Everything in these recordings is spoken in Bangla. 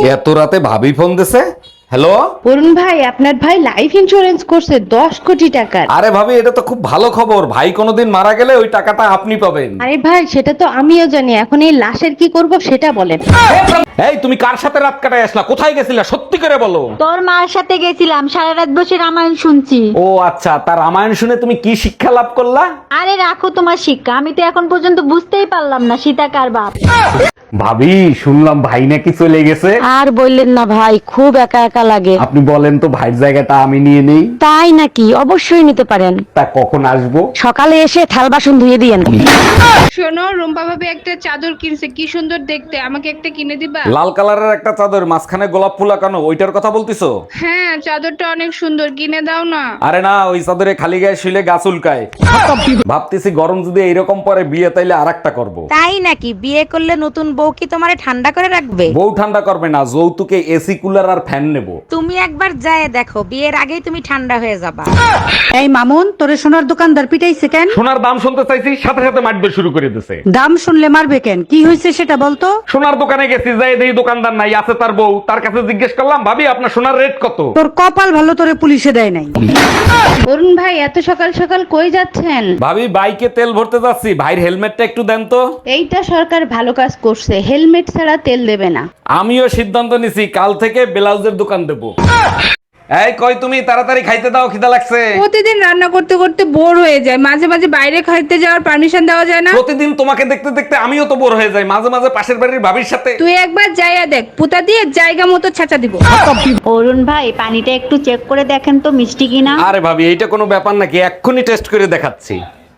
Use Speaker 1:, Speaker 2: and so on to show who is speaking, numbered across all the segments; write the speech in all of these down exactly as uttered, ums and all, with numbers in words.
Speaker 1: এত রাতে ভাবি ফোন দিছে। হ্যালো
Speaker 2: অরুণ ভাই, আপনার ভাই লাইফ ইন্সুরেন্স করছে দশ কোটি টাকার।
Speaker 1: আরে ভাবি, এটা তো খুব ভালো খবর। ভাই কোনোদিন মারা গেলে ওই টাকাটা আপনি পাবেন।
Speaker 2: আরে ভাই, সেটা তো আমিও জানি, এখন এই লাশের কি করব সেটা বলেন।
Speaker 1: এই তুমি কার সাথে রাত কাটায় আসলা? কোথায় গেছিলা? সত্যি করে বলো।
Speaker 3: তোর মার সাথে গেছিলাম, সারা রাত বসে রামায়ণ শুনছি।
Speaker 1: ও আচ্ছা, তার রামায়ণ শুনে তুমি কি শিক্ষা লাভ করলা?
Speaker 3: আরে রাখো তোমার শিক্ষা, আমি তো এখন পর্যন্ত বুঝতেই পারলাম না সীতা কার বাপ।
Speaker 1: ভাবি, শুনলাম ভাই নাকি চলে গেছে।
Speaker 4: আর বললেন না ভাই, খুব একা একা লাগে।
Speaker 1: আপনি বলেন তো ভাইয়ের জায়গাটা আমি নিয়ে নেই।
Speaker 4: তাই নাকি? অবশ্যই নিতে পারেন।
Speaker 1: তা কখন আসবো?
Speaker 4: সকালে এসে থাল বাসন ধুয়ে দিয়েন।
Speaker 5: শোনো, রুম্পা ভাবি একটা চাদর কিনছে, কি সুন্দর দেখতে, আমাকে একটা কিনে দিবা?
Speaker 1: লাল কালারের একটা চাদর, মাঝখানে গোলাপ ফুল আঁকানো, ওইটার কথা বলতিছো?
Speaker 5: হ্যাঁ, চাদরটা অনেক সুন্দর, কিনে দাও না।
Speaker 1: আরে না, ওই চাদরে খালি গায়ে শুলে গাছ উল্কায়। ভাবতেছি গরম যদি এইরকম পরে বিয়ে, তাইলে আরেকটা করব।
Speaker 4: তাই নাকি? বিয়ে করলে নতুন বউ কি তোমারে ঠান্ডা করে রাখবে?
Speaker 1: বউ ঠান্ডা করবে না, যৌতুকে এসি কুলার আর ফ্যান নেব।
Speaker 4: তুমি একবার যায় দেখো, বিয়ের আগেই তুমি ঠান্ডা হয়ে যাবা।
Speaker 6: এই মামুন, তোরে সোনার দোকানদার পিটাইছে কেন?
Speaker 1: সোনার দাম শুনতে চাইছি, সাথে সাথে মারবে শুরু করে দিছে।
Speaker 6: দাম শুনলে মারবে কেন? কি হয়েছে সেটা বলতো।
Speaker 1: সোনার দোকানে গেছি, যাই দেখি দোকানদার নাই, আছে তার বউ। তার কাছে জিজ্ঞেস করলাম, ভাবি আপনার সোনার রেট কত?
Speaker 6: তোর কপাল ভালো, তোরে পুলিশে দেয় নাই।
Speaker 2: অরুণ ভাই, এত সকাল সকাল কই যাচ্ছেন?
Speaker 1: ভাবি, বাইকে তেল ভরতে যাচ্ছি। ভাইয়ের হেলমেটটা একটু দেন তো।
Speaker 2: এইটা সরকার ভালো কাজ করছে, হেলমেট ছাড়া তেল দেবে না।
Speaker 1: আমিও সিদ্ধান্ত নিছি, কাল থেকে ব্লাউজের দোকান দেবো। এই কই তুমি, তাড়াতাড়ি খাইতে দাও, খিদা লাগছে।
Speaker 5: প্রতিদিন রান্না করতে করতে বোর হয়ে যায়, মাঝে মাঝে বাইরে খাইতে যাওয়ার পারমিশন দেওয়া যায় না?
Speaker 1: প্রতিদিন তোমাকে দেখতে দেখতে আমিও তো বোর হয়ে যাই, মাঝে মাঝে পাশের বাড়ির ভাবির সাথে।
Speaker 5: তুই একবার যাইয়া দেখ, পুতা দিয়ে জায়গা মতো ছাঁচা দিব।
Speaker 3: অরুণ ভাই, পানিটা একটু চেক করে দেখেন তো মিষ্টি কিনা।
Speaker 1: আরে ভাবি, এইটা কোনো ব্যাপার নাকি? এক্ষুনি টেস্ট করে দেখাচ্ছি।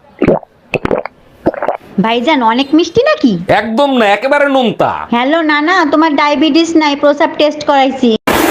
Speaker 3: ভাইজান, অনেক মিষ্টি নাকি?
Speaker 1: একদম না, একেবারে নোনতা।
Speaker 3: হ্যালো নানা, তোমার ডায়াবেটিস নাই, প্রসাব টেস্ট করাইছি।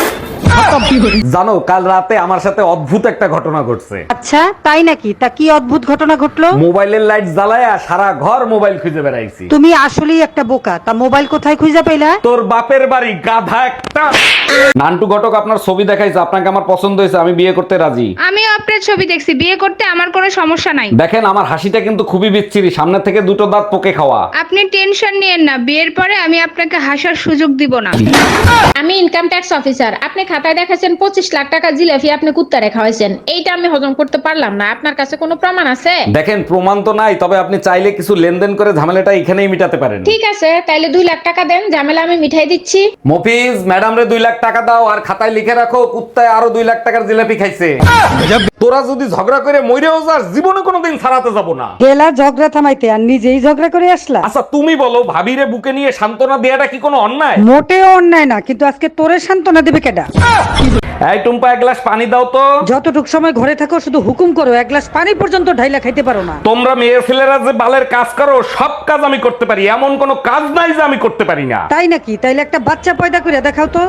Speaker 1: জানো, কাল রাতে আমার সাথে অদ্ভুত একটা ঘটনা ঘটছে।
Speaker 6: আচ্ছা, তাই নাকি? তা কি অদ্ভুত ঘটনা ঘটলো?
Speaker 1: মোবাইলের লাইট জ্বালায়া সারা ঘর মোবাইল খুঁজে বেড়াইছি।
Speaker 6: তুমি আসলেই একটা বোকা। তা মোবাইল কোথায় খুঁজে পেলা?
Speaker 1: তোর বাপের বাড়ি, গাধা একটা। নান্টু ঘটক আপনার ছবি দেখাইছে, আপনাকে আমার পছন্দ হয়েছে, আমি বিয়ে করতে রাজি।
Speaker 5: আমিও আপনার ছবি দেখছি, বিয়ে করতে আমার কোনো সমস্যা নাই।
Speaker 1: দেখেন, আমার হাসিটা কিন্তু খুবই বিচ্ছিরি, সামনে থেকে দুটো দাঁত পোকে খাওয়া।
Speaker 5: আপনি টেনশন নিয়েন না, বিয়ের পরে আমি আপনাকে হাসার সুযোগ দিব না।
Speaker 7: আমি ইনকাম ট্যাক্স অফিসার। আপনি খাতায় দেখাচ্ছেন পঁচিশ লাখ টাকা জিলাপি আপনি কুত্তা রেখা হয়েছেন, এইটা আমি হজম করতে পারলাম না। আপনার কাছে কোনো প্রমাণ আছে?
Speaker 1: দেখেন, প্রমাণ তো নাই, তবে আপনি চাইলে কিছু লেনদেন করে ঝামেলাটা এখানেই মিটাতে পারেন।
Speaker 7: ঠিক আছে, তাইলে দুই লাখ টাকা দেন, ঝামেলা আমি মিঠাই দিচ্ছি।
Speaker 1: মফিজ, ম্যাডাম রে দুই লাখ টাকা দাও, আর খাতায় লিখে রাখো কুত্তায় আরো দুই লাখ টাকার জিলাপি খাইছে। তোরা যদি ঝগড়া করে মইরেও যাস, জীবনে কোনোদিন ছাড়াতে যাব না।
Speaker 6: গেলা ঝগড়া থামাইতে, আর নিজেই ঝগড়া করে আসলা।
Speaker 1: আচ্ছা তুমি বলো, ভাবিরে বুকে নিয়ে সান্ত্বনা দেয়াটা কি কোনো অন্যায়?
Speaker 6: মোটেও অন্যায় না, কিন্তু আজকে তোরে সান্ত্বনা দেবে কেডা?
Speaker 1: এই টুম্পা, এক গ্লাস পানি দাও তো।
Speaker 6: যতটুক সময় ঘরে থাকো শুধু হুকুম করো, এক গ্লাস পানি পর্যন্ত ঢাইলা খাইতে পারো না।
Speaker 1: তোমরা মেয়ে ছেলেরা যে বালের কাজ করো, সব কাজ আমি করতে পারি, এমন কোনো কাজ নাই যে আমি করতে পারি না।
Speaker 6: তাই নাকি? তাইলে একটা বাচ্চা পয়দা করে দেখাও তো।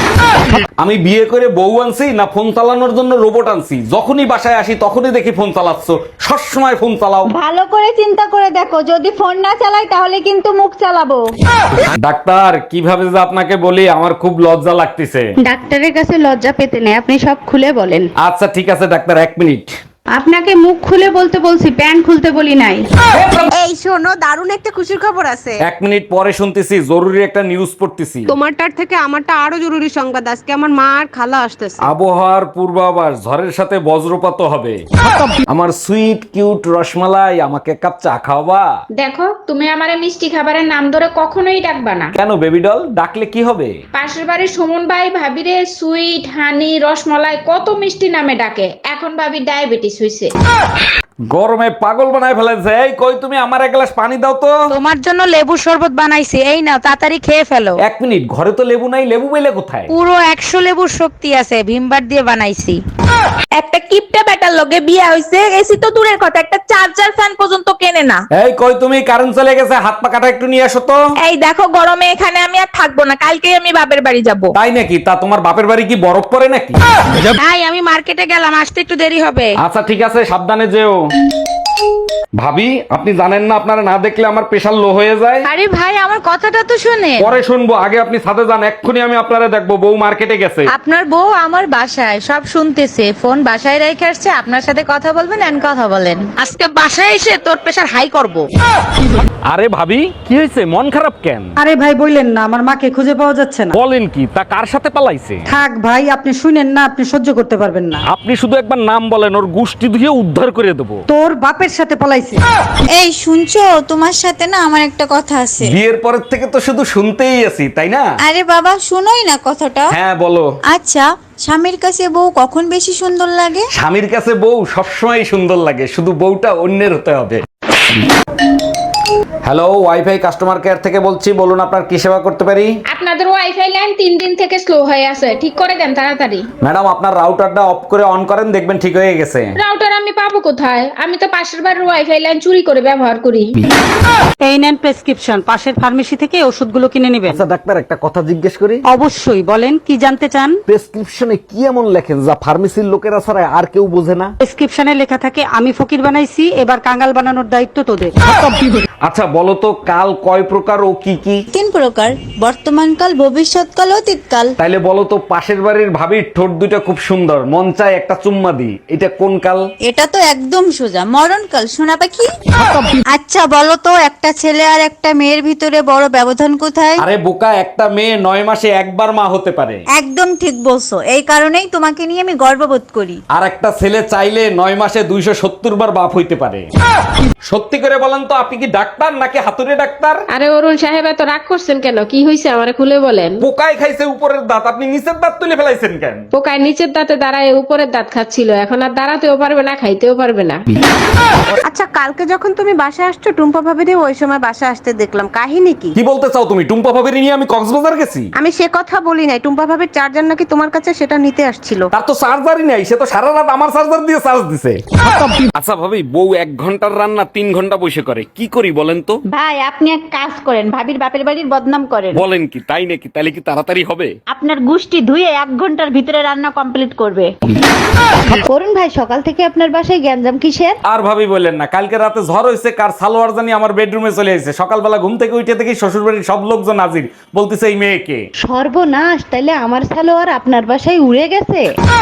Speaker 1: আমি বিয়ে করে বউ আনছি না ফোন চালানোর জন্য রোবট আনছি? যখনই বাসায় আসি তখনই দেখি ফোন চালাচ্ছ, সবসময় ফোন চালাও।
Speaker 3: ভালো করে চিন্তা করে দেখো, যদি ফোন না চালাই তাহলে কিন্তু মুখ চালাবো।
Speaker 1: ডাক্তার, কিভাবে যে আপনাকে বলি, আমার খুব লজ্জা লাগতেছে।
Speaker 2: ডাক্তারের কাছে লজ্জা পেতে নেই, আপনি সব খুলে বলেন।
Speaker 1: আচ্ছা ঠিক আছে ডাক্তার, এক মিনিট।
Speaker 2: আপনাকে মুখ খুলে বলতে বলছি, প্যান্ট খুলতে বলি নাই।
Speaker 4: এই শোনো, দারুণ একটা খুশির খবর আছে।
Speaker 1: এক মিনিট পরে শুনতেছি, জরুরি একটা নিউজ পড়তেছি।
Speaker 8: তোমারটার থেকে আমারটা আরো জরুরি সংবাদ। আজকে আমার মা আর খালা আসতেছে।
Speaker 1: আবহাওয়ার পূর্বাভাস, ঝড়ের সাথে বজ্রপাত হবে। আমার সুইট কিউট রসমালাই, আমাকে এক কাপ চা খাওয়াবা?
Speaker 7: দেখো, তুমি আমারে মিষ্টি খাবারের নাম ধরে কখনোই ডাকবা না।
Speaker 1: কেন বেবি ডল, ডাকলে কি হবে?
Speaker 7: পাশের বাড়ির সুমন ভাই ভাবিরে সুইট, হানি, রসমালাই কত মিষ্টি নামে ডাকে। এখন ভাবি ডায়াবেটিস হইছে।
Speaker 1: গরমে পাগল বানায় ফেলেছে। এই কই তুমি, আমার এক গ্লাস পানি দাও তো।
Speaker 4: তোমার জন্য লেবু শরবত বানাইছি, এই নাও তাড়াতাড়ি খেয়ে ফেলো।
Speaker 1: এক মিনিট, ঘরে তো লেবু নাই, লেবু পেলে কোথায়?
Speaker 4: পুরো একশো লেবুর শক্তি আছে, ভিমবার দিয়ে বানাইছি।
Speaker 9: একটা কিপটা বেটার লগে বিয়ে হইছে, এসি তো দূরের কথা, একটা চার্জার ফ্যান পর্যন্ত কেনে না।
Speaker 1: এই কই তুমি, কারেন্ট চলে গেছে, হাত পা কাটা একটু নিয়ে আসো তো।
Speaker 9: এই দেখো, গরমে এখানে আমি আর থাকবো না, কালকেই আমি বাপের বাড়ি যাব।
Speaker 1: তাই নাকি? তা তোমার বাপের বাড়ি কি বরফ পড়ে নাকি?
Speaker 4: ভাই, আমি মার্কেটে গেলাম, আসতে একটু দেরি হবে।
Speaker 1: আচ্ছা ঠিক আছে, সাবধানে যেও। ভাবি, আপনি জানেন না আপনারা না দেখলে আমার প্রেশার লো হয়ে যায়?
Speaker 4: আরে ভাই আমার কথাটা তো শুনে।
Speaker 1: পরে শুনবো, আগে আপনি ছাদে যান, এক্ষুনি আমি আপনারা দেখবো। বউ মার্কেটে গেছে।
Speaker 4: আপনার বউ আমার বাসায় সব শুনতেছে, ফোন বাসায় রেখে আসছে, আপনার সাথে কথা বলবেন এন্ড কথা বলেন। আজকে বাসায় এসে তোর প্রেশার হাই করব।
Speaker 1: আরে ভাবি, কি হয়েছে? মন খারাপ কেন?
Speaker 6: আরে ভাই বললেন না আমার মাকে খুঁজে পাওয়া যাচ্ছে না।
Speaker 1: বলেন কি? তা কার সাথে পালাইছে?
Speaker 6: থাক ভাই, আপনি শুনেন না, আপনি সহ্য করতে পারবেন না।
Speaker 1: আপনি শুধু একবার নাম বলেন, ওর গুষ্টি ধুয়ে উদ্ধার করে দেবো।
Speaker 6: তোর বাপের সাথে পলাইছে।
Speaker 10: এই শুনছো, তোমার সাথে না আমার একটা কথা আছে।
Speaker 1: বিয়ের পরের থেকে তো শুধু শুনতেই আছি, তাই না?
Speaker 10: আরে বাবা শুনোই না কথাটা।
Speaker 1: হ্যাঁ বলো।
Speaker 10: আচ্ছা, স্বামীর কাছে বউ কখন বেশি সুন্দর লাগে?
Speaker 1: স্বামীর কাছে বউ সবসময় সুন্দর লাগে, শুধু বউটা অন্যের হতে হবে। হ্যালো, ওয়াইফাই কাস্টমার কেয়ার থেকে বলছি, বলুন আপনার কি সেবা করতে পারি?
Speaker 7: আপনাদের ওয়াইফাই লাইন তিন দিন থেকে স্লো হয়ে আছে, ঠিক করে দেন তাড়াতাড়ি।
Speaker 1: ম্যাডাম, আপনার রাউটারটা অফ করে অন করেন, দেখবেন ঠিক হয়ে গেছে।
Speaker 7: রাউটার আমি পাবো কোথায়? আমি তো পাশের বাড়ির ওয়াইফাই লাইন চুরি করে ব্যবহার করি।
Speaker 6: এই নেন প্রেসক্রিপশন, পাশের ফার্মেসি থেকে ওষুধগুলো কিনে নেবেন।
Speaker 1: আচ্ছা ডাক্তার, একটা কথা জিজ্ঞেস করি?
Speaker 6: অবশ্যই বলেন, কি জানতে চান?
Speaker 1: প্রেসক্রিপশনে কি এমন লেখেন যা ফার্মেসির লোকেরা ছাড়া আর কেউ বোঝে না?
Speaker 6: প্রেসক্রিপশনে লেখা থাকে আমি ফকির বানাইছি, এবার কাঙ্গাল বানানোর দায়িত্ব তোদের।
Speaker 1: আচ্ছা বলো তো, কাল কয় প্রকার ও কি কি?
Speaker 10: তিন প্রকার, বর্তমানকাল, ভবিষ্যৎকাল, অতীতকাল।
Speaker 1: তাইলে বলো তো, পাশের বাড়ির ভাবির ঠোঁট দুটো খুব সুন্দর, মন চায় একটা চুম্মা দি, এটা কোন কাল?
Speaker 10: এটা তো একদম সোজা, মরণকাল, সোনা পাখি। আচ্ছা বলো তো, একটা ছেলে আর একটা মেয়ের ভিতরে বড় ব্যবধান কোথায়?
Speaker 1: আরে বোকা, একটা মেয়ে নয় মাসে একবার মা হতে পারে।
Speaker 10: একদম ঠিক বলছো, এই কারণেই তোমাকে নিয়ে আমি গর্ববোধ করি।
Speaker 1: আর একটা ছেলে চাইলে নয় মাসে দুইশো সত্তর বার বাপ হইতে পারে। সত্যি করে বলেন তো, আপনি কি ডাক্তার নাকি হাতুড়ে ডাক্তার?
Speaker 7: আরে অরুণ সাহেব, এত রাগ করছেন কেন? কি হয়েছে আমারে খুলে বলেন।
Speaker 1: পোকায় খাইছে উপরের দাঁত, আপনি নিচের দাঁত তুলে ফেলাইছেন কেন?
Speaker 7: পোকায় নিচের দাঁতে দাঁড়ায় উপরের দাঁত খাচ্ছিল, এখন আর দাঁড়াতেও পারবে না, খাইতেও পারবে না।
Speaker 8: আচ্ছা, কালকে যখন তুমি বাসায় আসছো টুম্পা ভাবিরে ওই সময় বাসায় আসতে দেখলাম, কাহিনী কি?
Speaker 1: কি বলতে চাও তুমি? টুম্পা ভাবির নিয়ে আমি কক্সবাজার গেছি?
Speaker 8: আমি সে কথা বলি নাই, টুম্পা ভাবির চার্জার নাকি তোমার কাছে, সেটা নিতে আসছিল।
Speaker 1: তার তো চার্জারই নাই, সে তো সারা রাত আমার চার্জার দিয়ে চার্জ দিছে। আচ্ছা ভাবি, বউ এক ঘন্টার রান্না তিন ঘন্টা বসে করে, কি করি বলেন তো?
Speaker 3: ভাই আপনি এক কাজ করেন, ভাবির বাপের বাড়ির বদনাম করেন।
Speaker 1: বলেন কি? তাই নাকি? তাহলে কি তাড়াতাড়ি হবে?
Speaker 3: আপনার গুষ্টি ধুয়ে এক ঘন্টার ভিতরে রান্না কমপ্লিট করবে।
Speaker 2: অরুণ ভাই, সকাল থেকে আপনার বাসায় গ্যাঞ্জাম কিসের?
Speaker 1: আর ভাবি বললেন না, কালকে রাতে ঝড় হয়েছে, কার সালোয়ার জানি আমার বেডরুমে চলে এসেছে। সকালবেলা ঘুম থেকে উঠে দেখি শ্বশুর বাড়ির সব লোকজন হাজির, বলতেছে এই মেয়েকে।
Speaker 2: সর্বনাশ, তাইলে আমার সালোয়ার আপনার বাসায় উড়ে গেছে।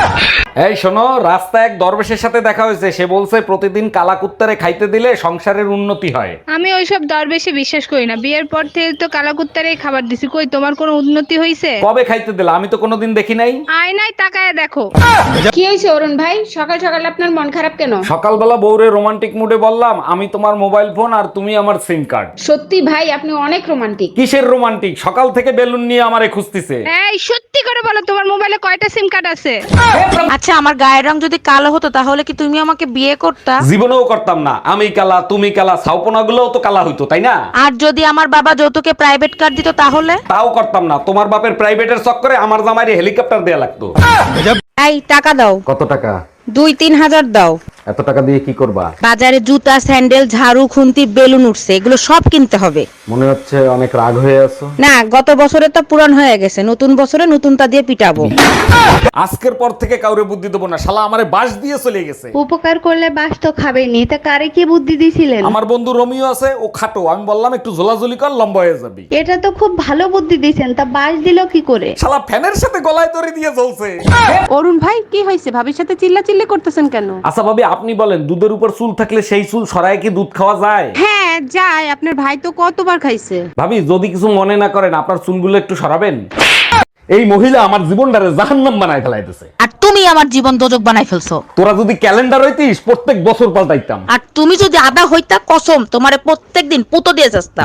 Speaker 1: এই শোনো, রাস্তায় এক দরবেশের সাথে দেখা হয়েছে, সে বলছে প্রতিদিন কালা কুত্তারে খাইতে দিলে সংসারের উন্নতি হয়।
Speaker 5: আমি ওইসব দরবেশে বিশ্বাস করি না। বিয়ের পর থেকে তো কালাকুত্তারেই খাবার দিছি, কই তোমার কোনো উন্নতি হইছে?
Speaker 1: কবে খাইতে দিলা? আমি তো কোনোদিন দেখি নাই।
Speaker 5: আয়নায় তাকায় দেখো।
Speaker 7: কি হয়েছে অরুণ ভাই, সকাল সকাল আপনার মন খারাপ কেন?
Speaker 1: সকালবেলা বউরে রোমান্টিক মুডে বললাম, আমি তোমার মোবাইল ফোন আর তুমি আমার সিম কার্ড।
Speaker 7: সত্যি ভাই, আপনি অনেক রোমান্টিক।
Speaker 1: কিসের রোমান্টিক? সকাল থেকে বেলুন নিয়ে আমারে খুঁজতেছে।
Speaker 5: এই সত্যি করে বলো, তোমার মোবাইলে কয়টা সিম কার্ড আছে?
Speaker 4: আচ্ছা, আমার গায়ের রং যদি কালো হতো তাহলে কি তুমি আমাকে বিয়ে করতা?
Speaker 1: জীবনেও করতাম না। আমি কালা, তুমি কালা, ছাউপনা গুলোও তো কালা হইতো, তাই না?
Speaker 4: আর যদি আমার বাবা যৌতুকে প্রাইভেট কার দিত তাহলে?
Speaker 1: তাও করতাম না। তোমার বাপের প্রাইভেটের চক্করে আমার জামাইরে হেলিকপ্টার দেয়া লাগতো।
Speaker 2: এই টাকা দাও,
Speaker 1: কত টাকা?
Speaker 2: দুই তিন হাজার দাও।
Speaker 1: এত টাকা দিয়ে কি করবা?
Speaker 2: বাজারে জুতা, স্যান্ডেল, ঝাড়ু, খুন্তি, বেলুন উঠছে, এগুলো সব কিনতে হবে।
Speaker 1: মনে হচ্ছে অনেক রাগ হয়ে আছো।
Speaker 2: না, গত বছরে তো পুরান হয়ে গেছে, নতুন বছরে নতুনটা দিয়ে পিটাবো।
Speaker 1: আজকের পর থেকে কাউরে বুদ্ধি দেবো না, শালা আমারে বাস দিয়ে চলে গেছে।
Speaker 2: উপকার করলে বাস তো খাবেনি, তা কারে কি বুদ্ধি দিছিলেন?
Speaker 1: আমার বন্ধু রোমিও আছে, ও খাটো, আমি বললাম একটু ঝোলাঝুলি কর, লম্বা হয়ে যাবি।
Speaker 2: এটা তো খুব ভালো বুদ্ধি দিছেন, তা বাস দিল কি করে?
Speaker 1: শালা ফ্যানের সাথে গলায় দড়ি দিয়ে জ্বলছে।
Speaker 8: অরুণ ভাই, কি হয়েছে? ভাবির সাথে চিল্লা চিল্লি করতেছেন কেন?
Speaker 1: আচ্ছা ভাবি, আপনি বলেন, দুধের উপর চুল থাকলে সেই চুল সরায় কি দুধ খাওয়া যায়?
Speaker 8: হ্যাঁ যায়, আপনার ভাই তো কতবার খাইছে।
Speaker 1: ভাবি, যদি কিছু মনে না করেন, আপনার চুলগুলো একটু সরাবেন। এই মহিলা আমার জীবনটারে জাহান্নাম বানায় ফেলাইতেছে।
Speaker 4: আর তুমি আমার জীবন দোজক বানাই ফেলছো।
Speaker 1: তোরা যদি ক্যালেন্ডার হইতিস, প্রত্যেক বছর পাল্টাইতাম।
Speaker 4: আর তুমি যদি আদা হইতা, কসম তোমারে প্রত্যেকদিন পুতো দিয়ে যাস্তাম।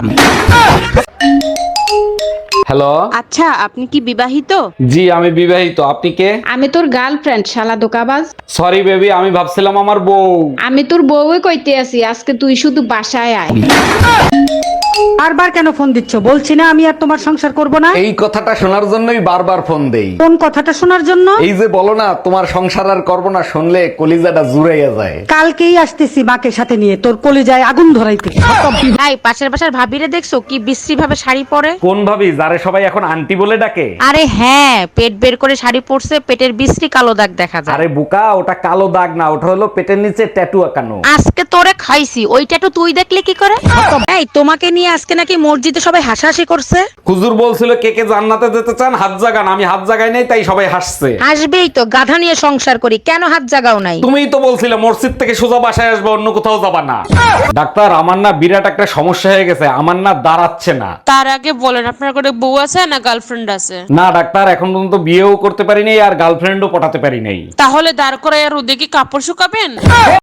Speaker 1: হ্যালো।
Speaker 8: আচ্ছা, আপনি কি বিবাহিত?
Speaker 1: জি, আমি বিবাহিত। আপনি কে?
Speaker 7: আমি তোর গার্লফ্রেন্ড, শালা দোকাবাজ।
Speaker 1: সরি বেবি, আমি ভাবছিলাম আমার বউ।
Speaker 7: আমি তোর বউই কইতে আছি, আজকে তুই শুধু বাসায় আয়।
Speaker 6: বারবার কেন ফোন দিচ্ছ? বলছি না আমি আর তোমার সংসার করব না।
Speaker 1: এই কথাটা শোনার জন্যই বারবার ফোন দেই।
Speaker 6: কোন কথাটা শোনার জন্য?
Speaker 1: এই যে বলো না তোমার সংসার আর করবো না, শুনলে কলিজাটা জুড়াইয়া যায়।
Speaker 6: কালকেই আসতেছি মাকে সাথে নিয়ে তোর কলিজায় আগুন ধরাইতে।
Speaker 2: এই পাশের বাসার ভাবিরে দেখছো কি বিশ্রী ভাবে শাড়ি পরে?
Speaker 1: কোন ভাবি যারে সবাই এখন আন্টি বলে ডাকে?
Speaker 2: আরে হ্যাঁ, পেট বের করে শাড়ি পরছে, পেটের বিশ্রী কালো দাগ দেখা যায়।
Speaker 1: আরে বুকা, ওটা কালো দাগ না, ওটা হলো পেটের নিচে ট্যাটু আঁকানো।
Speaker 2: আজকে তোরে খাইছি, ওইটা তো তুই দেখলে কি করে? এই তোমাকে নিয়ে আজকে নাকি মসজিদে সবাই হাসাহাসি করছে।
Speaker 1: হুজুর বলছিল কে কে জান্নাতে যেতে চান হাত জাগান, আমি হাত জাগাই নাই তাই সবাই হাসছে।
Speaker 2: আসবেই তো, গাধা নিয়ে সংসার করি, কেন হাত জাগাও নাই?
Speaker 1: তুমিই তো বলছিলে মসজিদ থেকে সোজা বাসায় আসবে, অন্য কোথাও যাবা না। ডাক্তার, আমার না বিরাট একটা সমস্যা হয়ে গেছে, আমার না দাঁড়াচ্ছে না।
Speaker 9: তার আগে বলেন আপনার কোনো বউ আছে না গার্লফ্রেন্ড আছে?
Speaker 1: না ডাক্তার, এখন পর্যন্ত বিয়েও করতে পারি নাই আর গার্লফ্রেন্ডও পটাতে পারি নাই।
Speaker 9: তাহলে দাঁড় করায় আর ওদিকে কাপড় শুকাবেন।